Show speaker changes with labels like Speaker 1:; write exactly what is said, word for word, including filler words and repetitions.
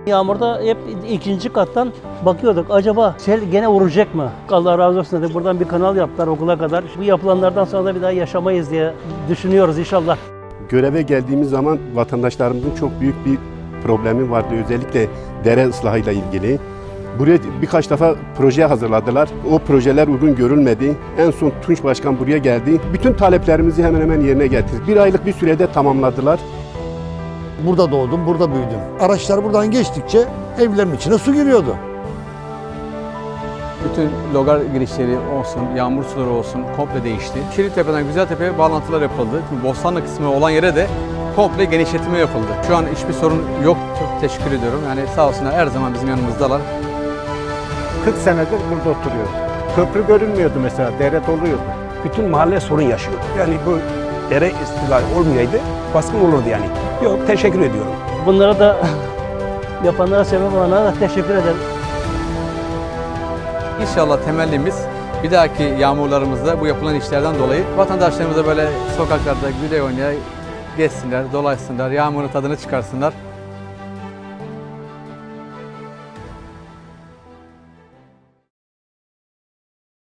Speaker 1: Yağmurda hep ikinci kattan bakıyorduk. Acaba sel gene vuracak mı? Allah razı olsun dedi. Buradan bir kanal yaptılar okula kadar. Bu yapılanlardan sonra da bir daha yaşamayız diye düşünüyoruz inşallah.
Speaker 2: Göreve geldiğimiz zaman vatandaşlarımızın çok büyük bir problemi vardı. Özellikle dere ıslahıyla ilgili. Buraya birkaç defa proje hazırladılar. O projeler uygun görülmedi. En son Tunç Başkan buraya geldi. Bütün taleplerimizi hemen hemen yerine getirdi. Bir aylık bir sürede tamamladılar.
Speaker 3: Burada doğdum, burada büyüdüm. Araçlar buradan geçtikçe evlerin içine su giriyordu.
Speaker 4: Bütün logar girişleri olsun, yağmur suları olsun komple değişti. Şirintepe'den Güzeltepe'ye bağlantılar yapıldı. Bostanlı kısmı olan yere de komple genişletme yapıldı. Şu an hiçbir sorun yok. Çok teşekkür ediyorum. Yani sağ olsunlar her zaman bizim yanımızdalar.
Speaker 5: kırk senedir burada oturuyoruz. Köprü görünmüyordu mesela, dere doluyordu.
Speaker 6: Bütün mahalle sorun yaşıyor. Yani bu dere istilal olmayaydı baskın olurdu yani. Yok, teşekkür ediyorum.
Speaker 1: Bunlara da yapanlara, sebep olanlara da teşekkür ederim.
Speaker 4: İnşallah temellimiz bir dahaki yağmurlarımızda bu yapılan işlerden dolayı vatandaşlarımıza böyle sokaklarda güle oynaya gezsinler, dolaşsınlar, yağmurun tadını çıkarsınlar.